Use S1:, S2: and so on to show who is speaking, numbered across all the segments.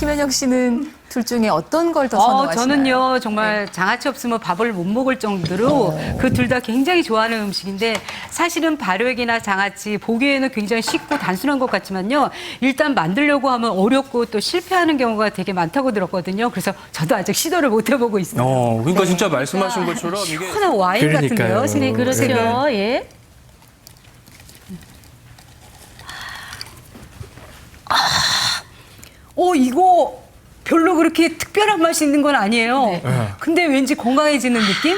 S1: 김현영 씨는 둘 중에 어떤 걸 더 선호하시나요?
S2: 저는요 정말 장아찌 없으면 밥을 못 먹을 정도로 그 둘 다 굉장히 좋아하는 음식인데 사실은 발효액이나 장아찌 보기에는 굉장히 쉽고 단순한 것 같지만요 일단 만들려고 하면 어렵고 또 실패하는 경우가 되게 많다고 들었거든요. 그래서 저도 아직 시도를 못 해보고 있어요.
S3: 그러니까 진짜 말씀하신 것처럼 이게
S2: 시원한 와인
S3: 그러니까요.
S2: 같은데요.
S4: 네, 그렇죠. 예.
S2: 이거 별로 그렇게 특별한 맛이 있는 건 아니에요. 근데 왠지 건강해지는 느낌?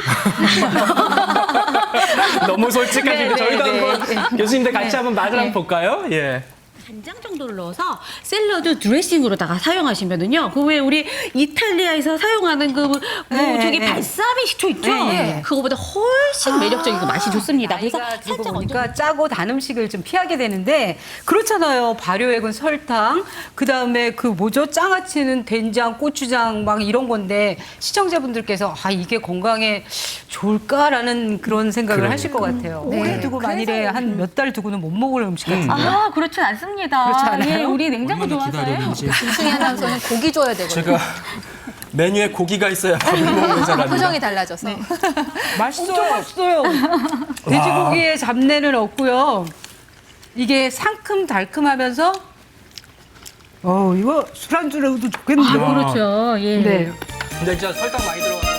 S3: 너무 솔직하신데 저희도 한번 교수님들 같이 한번 맛을 한번 볼까요? 예.
S4: 간장 정도를 넣어서 샐러드 드레싱으로다가 사용하시면은요. 그 외에 우리 이탈리아에서 사용하는 저기 발사믹 식초 있죠? 그거보다 훨씬 매력적이고 맛이 좋습니다. 그래서
S2: 나이가 들고
S4: 살짝
S2: 보니까 짜고 단 음식을 좀 피하게 되는데 그렇잖아요. 발효액은 설탕, 그다음에 장아찌는 된장, 고추장 막 이런 건데 시청자분들께서 이게 건강에 좋을까라는 그런 생각을 하실 것 같아요. 오래 두고 만일에 한 몇 달 두고는 못 먹을 음식 같은데.
S4: 그렇진 않습니다.
S2: 그렇지 않아요?
S4: 예, 우리 냉장고
S5: 얼마나
S4: 좋아서요.
S5: 기다렸는지.
S1: 김승희 아나운서는 고기 줘야 되거든요.
S3: 제가 메뉴에 고기가 있어야 밥을 먹는 사람입니다.
S1: 표정이 달라져서.
S2: 맛있어요. 돼지고기의 잡내는 없고요. 이게 상큼달큼하면서 이거 술안주로도 좋겠는데요.
S4: 그렇죠. 예.
S2: 네.
S3: 근데 진짜 설탕 많이 들어가.